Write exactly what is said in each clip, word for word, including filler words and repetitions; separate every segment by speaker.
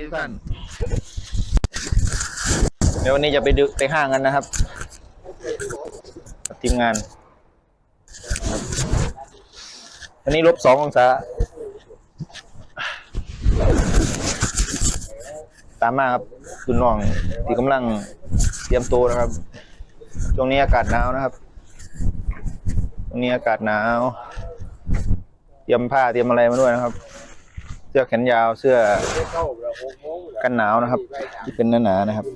Speaker 1: ทุกท่านเดี๋ยววันนี้จะไปดูไปห้างกันนะครับทีมงานวันนี้ลบสององศาตามมาครับคุณน้องที่กำลังเตรียมตัวนะครับช่วงนี้อากาศหนาวนะครับช่วงนี้อากาศหนาวเตรียมผ้าเตรียมอะไรมาด้วยนะครับเสื้อแขนยาวเสื้อกันหนาวนะครับที่เป็นหนาๆนะครับ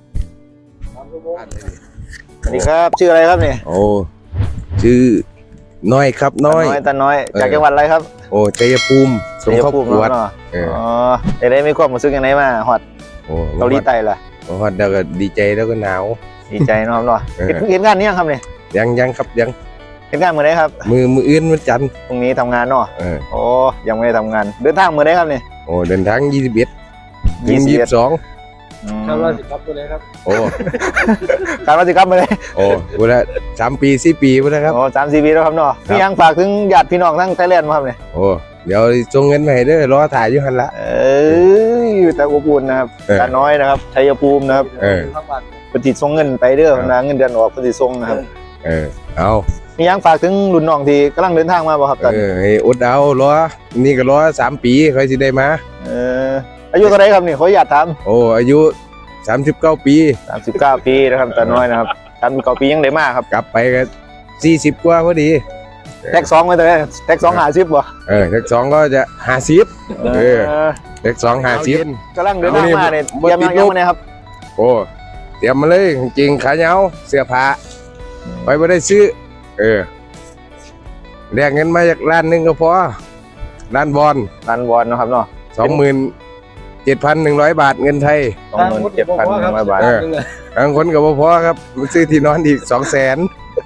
Speaker 1: สวัสดีครับชื่ออะไรครับเนี่ย
Speaker 2: โอ้ชื่อน้อยครับน้อย
Speaker 1: น้อยตาน้อยจากจังหวัดอะไรครับ
Speaker 2: โอ้ชัยภูมิสงขลาปวด
Speaker 1: อ๋อได้ไม่ความรู้สึกยังไงมาฮอดเกาหลีใต้ล่ะ
Speaker 2: ฮอดแล้วก็ดีใจแล้วก็หนาว
Speaker 1: ดีใจนะครับเนาะเห็นงานนี้ยังครับเนี่ย
Speaker 2: ยังยังครับยัง
Speaker 1: เห็นงานมือไหนครับ
Speaker 2: มือมืออื่นวันจันทร์
Speaker 1: พรุ่งนี้ทำงานเนาะโอ้ยังไม่ได้ทำงานเดินทางมือไหนครับเนี่ย
Speaker 2: โอ้เดินทางยี่สิบเอ็ดยี่สิบสอง
Speaker 1: คาดว่าสิครับมือไหนครับ
Speaker 2: โอ้
Speaker 1: คาดว่าสิครับมือไหน
Speaker 2: โอ้เวลาสามปีสี่ปีแล้วครับ
Speaker 1: โอ้สามสี่ปีแล้วครับเนาะพี่ยังฝากถึงญาติพี่น้องทั้งไทยแลนด์มาครับเนี่ย
Speaker 2: โอ้เดี๋ยวส่งเงินมาให้เด้อรอถ่ายอยู่หันละ
Speaker 1: เอ้ยแต่อบอุ่นนะครับตาน้อยนะครับชัยภูมินะครับ
Speaker 2: เออ
Speaker 1: ปฏิส่งเงินไปเด้อนะเงินเดือนออกปฏิส่งนะครับ
Speaker 2: เออเอา
Speaker 1: มียังฝากถึงรุ่นน้องที่กำลังเดินทางมาบ่ครับตอน
Speaker 2: นี้เออให้อดเอารอนี่ก็รอสามปีค่อยสิได้มา
Speaker 1: เอออายุเท่าไรครับนี่ขออนุญาตถาม
Speaker 2: โอ้อายุสามสิบเก้าปี
Speaker 1: สามสิบเก้าปีนะครับตาน้อยนะครับสามสิบเก้าปียังได้มาครับ
Speaker 2: กลับไปก็สี่สิบกว่าพอดี
Speaker 1: แท็กสองไปเลยแท็กสองหาสิบบ่
Speaker 2: เออแท็กสองก็จะห้าสิบเออแท็กสองห้าสิบ
Speaker 1: กำลังเดินทางมาเนี่ยเตรียมยังยังไงครับ
Speaker 2: โอ้เตรียมมาเลยจริงขาเหนียวเสื้อผ้าไปไม่ได้ซื้อเออเรียกเงินมาจากร้านนึงก็พอร้านบอล
Speaker 1: ร้านบอลนะครับเนาะ
Speaker 2: สองหมื่นเจ็ดพันหนึ่งร้อยบาทเงินไทย
Speaker 1: สองหมื่นเจ็ดพันหนึ่งร้อยบาท
Speaker 2: บางคนก็พอครับซื้อที่นอนอีกสองแสน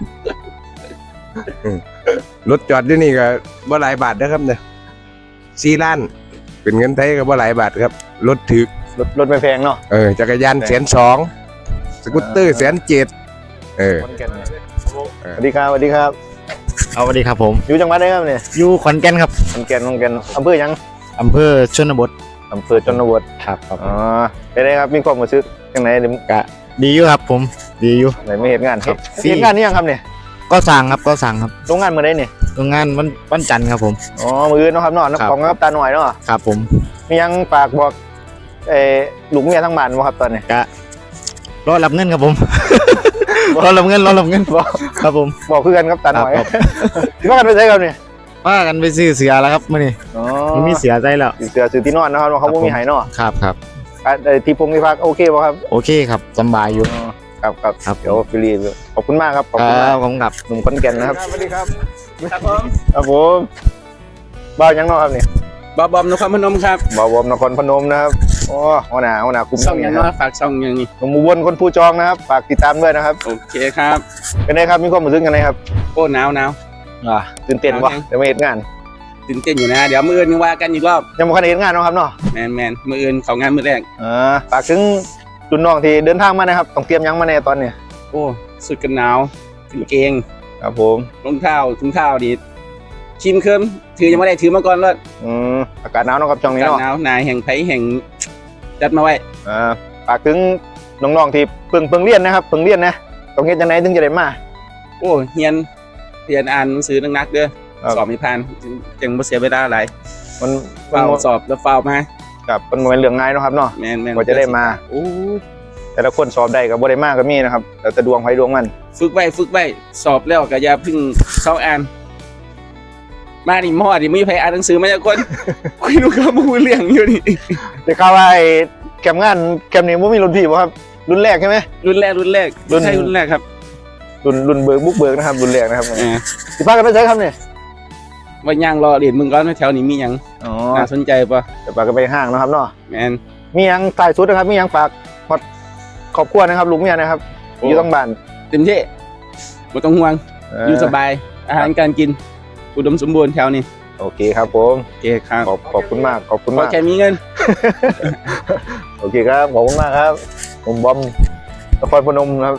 Speaker 2: รถจอดที่นี่ก็บ่หลายบาทนะครับเนี่ยสี่ล้านเป็นเงินไทยก็บ่หลายบาทครับรถถือ
Speaker 1: รถรถไม่แพงเนาะ
Speaker 2: เออจักรยานแสนสองสกูตเตอร์แสนเจ็ดเออ
Speaker 1: สวัสดีครับสวัสดีครับ
Speaker 3: เอาสวัสดีครับผม
Speaker 1: อยู่จังหวัดไหนครับเนี่ย
Speaker 3: อยู่ขอนแก่นครับ
Speaker 1: ขอนแก่นขอนแก่นอำเภอยัง
Speaker 3: อำเภอชนบท
Speaker 1: อำเภอชนบท
Speaker 3: ครับครับ
Speaker 1: อ๋อเป็นไงครับมีความรู้สึกยังไง
Speaker 3: กะดีอยู่ครับผมดีอยู่
Speaker 1: ไหนไม่เห็นงานครับเห็นงานนี่ยังครับเนี่ย
Speaker 3: ก็สั่งครับก็สั่งครับ
Speaker 1: โรงงานเมื่อไรเนี่ย
Speaker 3: โรงงานวันวันจันทร์ครับผม
Speaker 1: อ๋อมือนะครับนอนของครับตาหน่อยเนาะ
Speaker 3: ครับผม
Speaker 1: มียังฝากบอกเออลูกเมียทั้งบ้านบ่ครับตอนนี้
Speaker 3: กะรอรับเงินครับผมรอรับเงินรอรับเงินบอกครับผม
Speaker 1: บอกเพื่อนครับตาหน่อยที่ว่ากันไปใช้กันเนี่ย
Speaker 3: ว่ากันไปซื้อเสือแล้วครับมื่อนี้
Speaker 1: อ๋อ
Speaker 3: มีเสือใจแล้ว
Speaker 1: เสือซื้อที่นอนนะครับเขาไม่มีหายเนาะ
Speaker 3: ครับครับ
Speaker 1: ที่พงที่พักโอเคป่ะครับ
Speaker 3: โอเคครับสบายอยู่
Speaker 1: ครับครับเดี๋ยวฟิลีขอบคุณมากครับ
Speaker 3: ขอบคุณมากผมกับ
Speaker 1: หนุ่มขอนแก่นนะครับสวัสดีครับครับผมครับผมบ้ายังนอครับเนี่ย
Speaker 4: บ่าวบอมนครพนมครับ
Speaker 1: บ่าวบอมนครพนมนะครับโอ้หัวหน้าหัวหน้าคุ้ม
Speaker 4: ช่องยังนอฝากช่องยังนี่
Speaker 1: หนุ่มอุบลคนผู้จองนะครับฝากติดตามด้วยนะครับ
Speaker 4: โอเคครับ
Speaker 1: เป็นไงครับมีความรู้สึกยังไงครับ
Speaker 4: โอ้หนาวหนาว
Speaker 1: อ่าตื่นเต้นวะเดี๋ยวไม่เห็นงาน
Speaker 4: ตื่นเต้นอยู่นะเดี๋ยวมืออื่นว่ากันอีกรอบ
Speaker 1: ยังไม่เคยเห็นงานนะครับเนาะ
Speaker 4: แมนแมนมืออื่นเขางานมือแรก
Speaker 1: อ่าฝากถึงรุ่นน้องที่เดินทางมานะครับต้องเตรียมยังมาในตอนนี้
Speaker 4: โอ้สุดกันหนาวกางเกง
Speaker 1: ครับผม
Speaker 4: รองเท้าถุงเท้าดีชิมเคิมถือยังไม่ได้ถือมาก่อนเลย
Speaker 1: อืมอากาศหนาวนะครับช่วงนี้
Speaker 4: เนาะอากาศหนาวนายแห่งไผ่แห่งจัดมาไว้
Speaker 1: อ่าฝากถึงน้องๆที่เพิ่งเพิ่งเรียนนะครับเพิ่งเรียนนะต้องเฮ็ดจังไดถึงจะได้มา
Speaker 4: โอ้เรียนเรียนอ่านหนังสือนักๆเด้อสอบไม่ผ่านจึงบ่เสียเวลาหลาย
Speaker 1: มัน
Speaker 4: เฝ้าสอบแล้วเฝ้ามา
Speaker 1: กับมันเป็นเรื่องง่ายนะครับเนาะ
Speaker 4: แม่นๆ
Speaker 1: กว่าจะได้มา
Speaker 4: โอ้
Speaker 1: แต่ละคนสอบได้กับบ่ได้มากก็มีนะครับแต่แต่ดวงไผดวงมัน
Speaker 4: ฝึกไว้ฝึกไว้สอบแล้วก็อย่าเพิ่งเข้าอ่านมาดิมอดิมีไผอ่านหนังสือมาจากคนคุยดูข้อมูลเรื่องอยู่นี่
Speaker 1: ได้ข่าวว่าไอ้แคมป์งานแคมป์นี้บ่มีรุ่นพี่บ่ครับรุ่นแรกใช่ไหม
Speaker 4: รุ่นแรกรุ่นแรกรุ่นใช่รุ่นแรกครับ
Speaker 1: รุ่นรุ่นเบิร์กบุกเบิร์กนะครับรุ่นแรกนะครับสิพากันไปใช้ครับเนี่ย
Speaker 4: ว่าย่างรอเรียนมึงก่อนแถวนี้มียังน่าสนใจปะ
Speaker 1: จะพากันไปห้างนะครับเนาะ
Speaker 4: แมน
Speaker 1: มียังถ่ายสุดนะครับมียังฝากฮอดครอบครัวนะครับลุงเมียนะครับอยู่ต้องบ้าน
Speaker 4: เต็มที่ไม่ต้องห่วงอยู่สบายอาหารการกินอุดมสมบูรณ์แถวนี้
Speaker 1: โอเคครับผม
Speaker 4: โอเคครับ
Speaker 1: ขอบขอบคุณมากขอบคุณมาก
Speaker 4: แค่มีเงิน
Speaker 1: โอเคครับขอบคุณมากครับผมบอมนครพนมครับ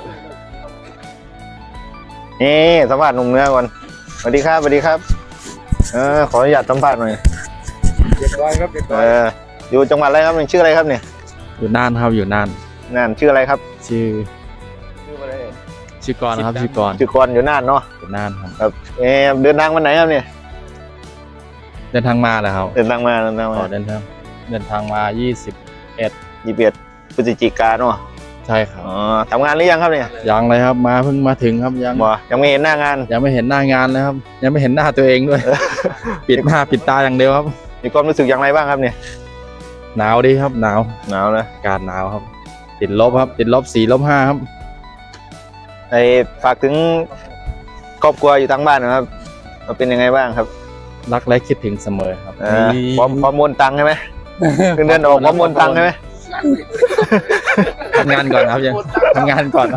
Speaker 1: นี่สัมภาษณ์หนุ่มเนื้อก่อนสวัสดีครับสวัสดีครับเออขออนุญาตสัมภาษณ์หน่อย
Speaker 4: เรียบร้อยครับเรียบร้อย
Speaker 1: เอออยู่จังหวัดอะไรครับเนี่ยชื่ออะไรครับเนี่ย
Speaker 3: อยู่น่านครับอยู่น่าน
Speaker 1: น่านชื่ออะไรครับ
Speaker 3: ชื่อ
Speaker 1: ชื่ออะไร
Speaker 3: ชื่อกรนะครับชื่อกร
Speaker 1: ชื่อกรอยู่น่านเนาะ
Speaker 3: อยู่น่านครับ
Speaker 1: ครับเออเดินทางวันไหนครับเนี่ย
Speaker 3: เดินทางมาแล้วครับ
Speaker 1: เดินทางมาเดินทาง
Speaker 3: อ๋
Speaker 1: มา
Speaker 3: อเดินทางเดินทางมายี่สิบเอ็ด
Speaker 1: ยี่สิบเอ็ดพฤศจิกาเนาะ
Speaker 3: ใช่ครับ
Speaker 1: อ๋อทำงานหรือยังครับเนี่ย
Speaker 3: ยังเลยครับมาเพิ่งมาถึงครับยัง
Speaker 1: บ่ยังไม่เห็นหน้างาน
Speaker 3: ยังไม่เห็นหน้างานเลยครับ ยังไม่เห็นหน้าตัวเองด้วย ปิดหน้าปิดตาอย่างเดียวครับ
Speaker 1: มีความรู้สึกอย่างไรบ้างครับเนี่ย
Speaker 3: หนาวดีครับหนาว
Speaker 1: หนาวนะ
Speaker 3: อากาศหนาวครับ ติดลบครับ ติดลบสี่ลบห้าครับ
Speaker 1: ไอฝากถึงครอบครัวอยู่ทางบ้านนะครับว่าเป็นยังไงบ้างครับ
Speaker 3: รักและคิดถึงเสมอครับ
Speaker 1: อ่าพร้อมพร้อมโอนตังค์ใช่ไหมเงินเดือนออกพร้อมโอนตังค์ใช่ไหม
Speaker 3: ทำงานก่อนครับยังทำงานก่อนครับ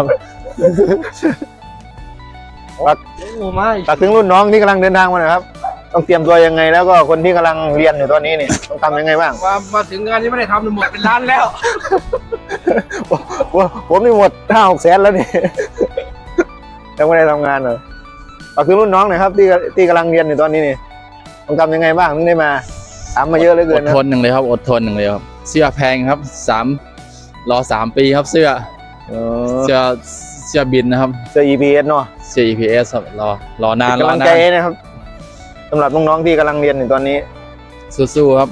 Speaker 1: ฝากฝากถึงรุ่นน้องที่กำลังเดินทางมาหน่อยครับ ต้องเตรียมตัวยังไงแล้วก็คนที่กำลังเรียนอยู่ตอนนี้เนี่ยต้องทำยังไงบ้าง
Speaker 4: มามาถึงงานนี้ไม่ได้ทำหมดเป็นล้านแล้ว
Speaker 1: ว่าผมนี่หมดห้าหกแสนแล้วนี่ ยังไม่ได้ทำงานเลยฝากถึงรุ่นน้องหน่อยครับที่ที่กำลังเรียนอยู่ตอนนี้นี่ต้องทำยังไงบ้างถึงได้มาถามมาเยอะเหลยเกิ
Speaker 3: อน ด
Speaker 1: นะ
Speaker 3: ทนหนึ่งเลยครับอดทนหนึ่งเลยครับเสื้อแพงครับสามรอสามปีครับเสื้อ
Speaker 1: เออ
Speaker 3: เสื้อเสื้อบินนะครับ
Speaker 1: เสื้อ อี พี เอส เนาะ
Speaker 3: เสื้อ อี พี เอส ครับรอรอนาน
Speaker 1: เป็น
Speaker 3: ร
Speaker 1: กำ
Speaker 3: อ
Speaker 1: ลัง
Speaker 3: นา
Speaker 1: ใจ
Speaker 3: น
Speaker 1: นะครับสำหรับน้องๆที่กำลังเรียนอยู่ตอนนี้
Speaker 3: สู้ๆครับ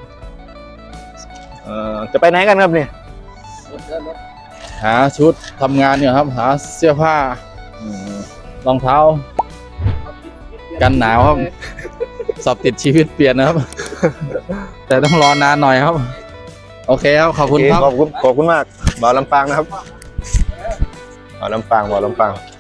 Speaker 1: เออจะไปไหนกันครับเนี่ย
Speaker 3: หาชุดทำงานเนี่ยครับ หาเสื้อผ้า รองเท้า กันหนาวครับ สอบติดชีวิตเปลี่ยนนะครับ แต่ต้องรอนานหน่อยครับ โอเคครับ ขอบคุณครับ
Speaker 1: ขอบคุณขอบคุณมากบ่าวลำปางนะครับบ่าวลำปางบ่าวลำปาง